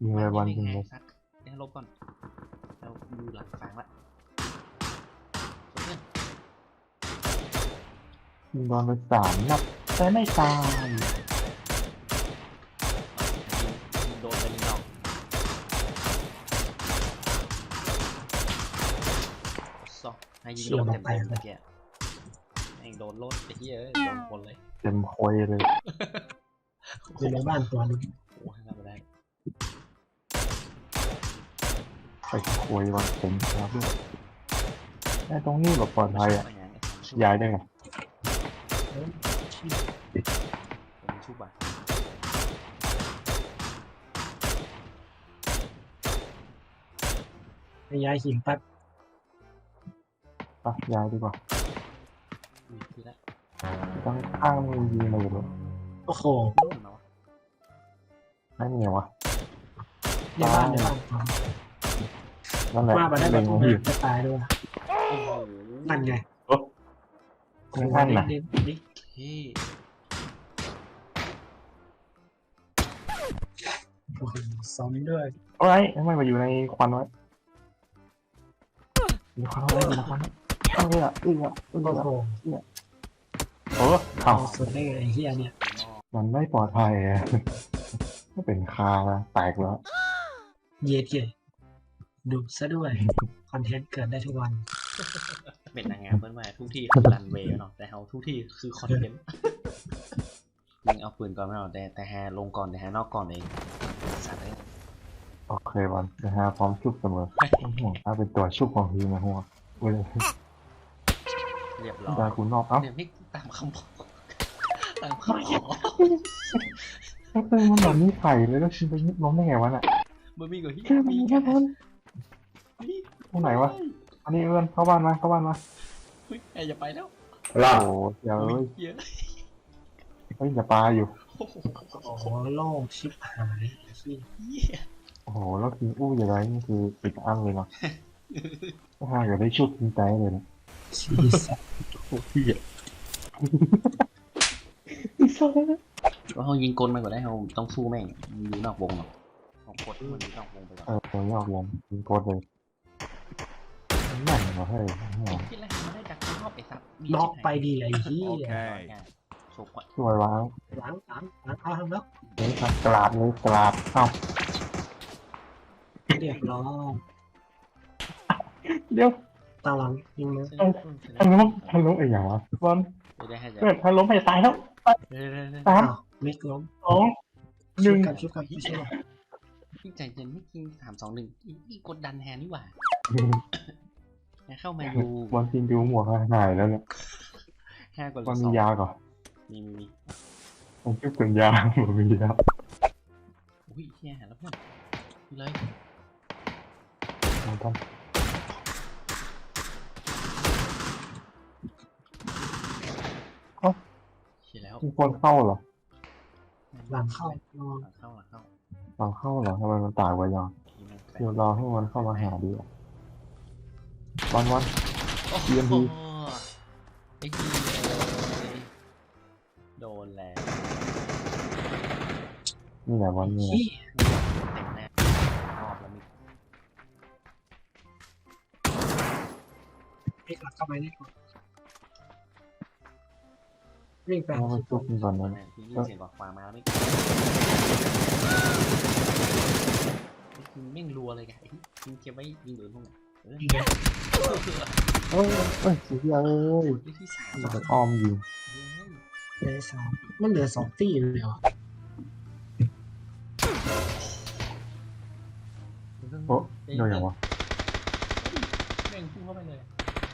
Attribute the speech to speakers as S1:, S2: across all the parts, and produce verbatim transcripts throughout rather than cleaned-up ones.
S1: ยิงเลยบอลยิงเลย
S2: ซัดได้ลบก่อนเราดูหลังฟางละเพื่อน
S1: ยิงบอลไปสามนัดแต่ไม่ตาย
S2: ยิงโดนไปหนึ่งดอกสองให้ยิงโดนเต็มเต็มเมื่อกี้ไอ้โดนรถไอ้เหี้ยโดนคนเลย
S1: เต็มโคยเลย
S3: อยู่ในบ้านตัวนึง
S2: โอ้ทำไม่ได้
S1: ไปโคยวันผมครับด้วยไอ้ตรงนี้แบบปลอดภัยอ่ะย้ายได้ไง
S2: ผมชุบอ่ะ
S3: ไปย้ายหินแป๊บ
S1: ปะย้ายดีกว่าต้องข้างมือยิงเลยเลย
S3: โอ้โห
S1: ไม่มีวะ
S3: ในบ้านในบ้าน
S1: นั่นแหละ
S3: ว่ามาได้แบบพวกนี้จะตายด้วยนั่นไง
S1: โอ้นั่นน่ะ
S2: นี่ที่
S3: โอ้โหซ้อมด้วย
S1: โอ้ยทำไมมาอยู่ในควันไว้มีควันไว้มีควันเออเออเออ
S3: โอ้โห
S1: โอ้ข่าว
S3: สุดเลยไอ้เหี้ยเนี่ย
S1: มันไม่ปลอดภัยอ่ะก็เป็นคาแล้วแตกแล้ว
S3: เย็ดเย่ดูซะด้วยคอนเทนต์เกิดได้ทุกวัน
S2: เป็นนางงามเมื่อวานทุกที่คือรันเวย์เนาะแต่เขาทุกที่คือคอนเทนต์ยิงเอาปืนก่อนไม่เอาแต่แต่แฮลงก่อนแต่แฮนอกก่อนเองสัตว์เลย
S1: โอเคบอลนะฮะพร้อมชุบเสมอต้องห่วงถ้าเป็นตัวชุบของทีมนะหัวเว้ย
S2: เรียบร้อย
S1: ได้คุณนอกเอ้า
S2: เนี่ยไม่ตามคำบอกตามคำขอ
S1: ถ้าเป็นมันแบบนี้ใส่เลยแล้วชิมไปยิบล้มได้ไงวะน่ะ
S2: มันมีกว่าที่
S1: แค่มีแค่บอลตรงไหนวะอันนี้เอื้อนเข้าบ้านมาเข้าบ้านมา
S2: เฮ้ยอย่าไปแล้ว
S1: ล่าโอ้เดี๋ยวเฮ้ยเฮ้ยอย่าปลาอยู่
S3: โอ้โหโล่งชิบหาย
S1: โอ้โหแล้วกินอู้อย่างไรนี่คือปิดอั้งเลยเนาะถ้าหากอยากได้ชุดกินใจเลยนะ
S3: ชีสัตว์
S1: โอ้พี่อ่ะ
S2: ก็เขายิงกลมาก่อนได้เขาต้องสู้แม่งอยู่นอกวงหรอกเขากดมันอยู่นอกวงไปก่อน
S1: เออนอกวงยิงกดเลยแม่งเหรอเฮ้ย
S2: คิดแล้วมันได้จากนอกไอ้ซับ
S3: น็อกไปดีไอ้ที่
S1: สวยวาง
S3: หลังหลังหลังเอาทำแล้ว
S1: นี่ครับกราดเลยกราดเอ้า
S3: เรียบร้อย
S1: เดี๋ยว
S3: ตาหลังยิงเลย
S1: ทันล้มทันล้มไอ้อย่างวะบอลเกิดทันล้มให้ตายแล้วสาม
S3: มิกล้ม
S1: สองหนึ่ง
S3: กับชุบกับพี่ช่วย
S2: พี่ใจเย็นไม่กินสามสองหนึ่งอีกดดันแฮนนี่หว่าเข้ามาดู
S1: บอลทีมดูหมวกหายแล้วเนี่ย
S2: ห้ากว่า
S1: บอลมียาก่อน
S2: มีมีมี
S1: ผมคิดเป็นยาผมมียา
S2: อุ้ยแย่แล้วเพื่อนเลย
S1: ต้องเอ้ามีคนเข้าเหรอ
S3: หลังเข้า
S2: หลังเข้าหลังเข้า
S1: หลังเข้าเหรอทำไมมันตายไวยังเดี๋ยวรอให้มันเข้ามาหาดีวันวันเยี่ยมดี
S2: ไอ้ดีโดนแล้ว
S1: นี่แหละวันนี้
S2: เต็มแน่รอบแล้วมิ
S3: ไม่กลับเข้าไปนี่ก่อนวิ่งไป
S1: มันจุกก่อนนะ
S2: ที่ยินเสียงกว่ามาแล้วไม่ไม่รัวเลยไงยิงเก็บไว้ยิงโดนพวกนี้เออ
S1: เอ้ยเอ้ยสุดยอดเลยจะอ้อมยิง
S3: เหลือสองมันเหลือสองตีเลยเหรอ
S1: โอ้โดนอย่างวะ
S2: แม่งพุ่งเข้าไปเลย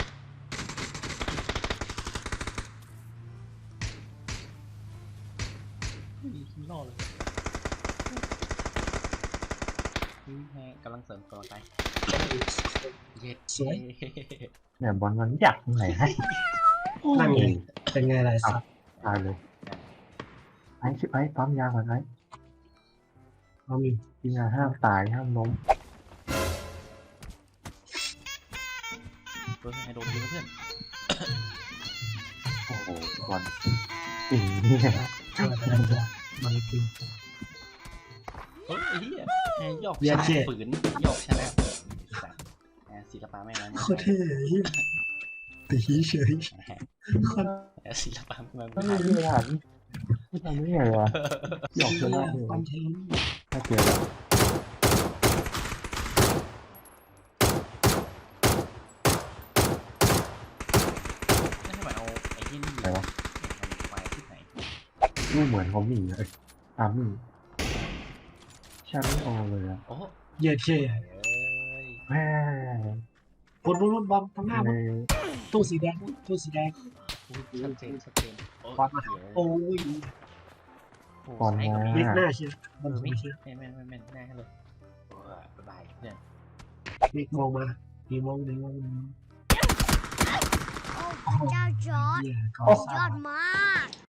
S2: มีคิมล่อเลยนี่แฮกำลังเสริมตัวไปเย็ด
S3: สวย
S1: เนี่ยบอลมันอยากตรงไหนให้
S3: นั่นไงเป็นไงไรสัก
S1: ตายเลยไอ้ชิบไอ้ปั๊มยาก่อนไอ้
S3: เอามี
S1: กินยาห้ามตายห้ามล้ม
S2: เพื่อนให้โดนยิงเพื่อน
S1: โอ้โหบอลอีเนี่ย
S3: ช่วยไปได้จ้ะมันคือ
S2: เฮ้ยไอ้เหี้ยแฮยอกชนะฝืนยอกชนะสัตว์แฮศิลปะแม่งนั้น
S3: โคตรเท่เหี้ยตีเฉย
S2: แฮ
S3: โคตร
S2: แฮศิลปะแม่ง
S1: ไม่
S2: นั้น
S1: ได้หันไม่ทำได้ไงวะหยอกชนะเลย
S3: คอนเทนต์
S1: ถ้าเจอแล้ว
S2: ไม่ทำไมเอาไอ้ที่นี่
S1: ไหนวะ
S2: ไฟที่ไหน
S1: ไม่เหมือนเขามีเลยอามี่ชาไม่โอเลยอะ
S2: โอ้
S3: เหี้ยเท่
S2: เอ้ย
S1: แม่
S3: บนบนบนบอมข้างหน้า
S1: ใน
S3: บนตู้สีแดงตู้สีแดง
S2: ชัดเจนชัดเจนโอ้
S3: บอลมา โอ้ย
S1: บอล
S2: ไอ้
S1: มา
S3: เล็กหน้าเชียว
S2: เอ
S3: มัน
S2: อ
S3: ไม่
S2: ไม่
S3: เชียว
S2: ไม่ไม่ไม่ไม่แน่เลยบ๊ายบายเพื่อน
S3: เล็กมองมามีมองมีมองมีมอง
S4: โอ้พระเจ้าจอร์ด
S3: เหี้ยก็
S4: ยอดมาก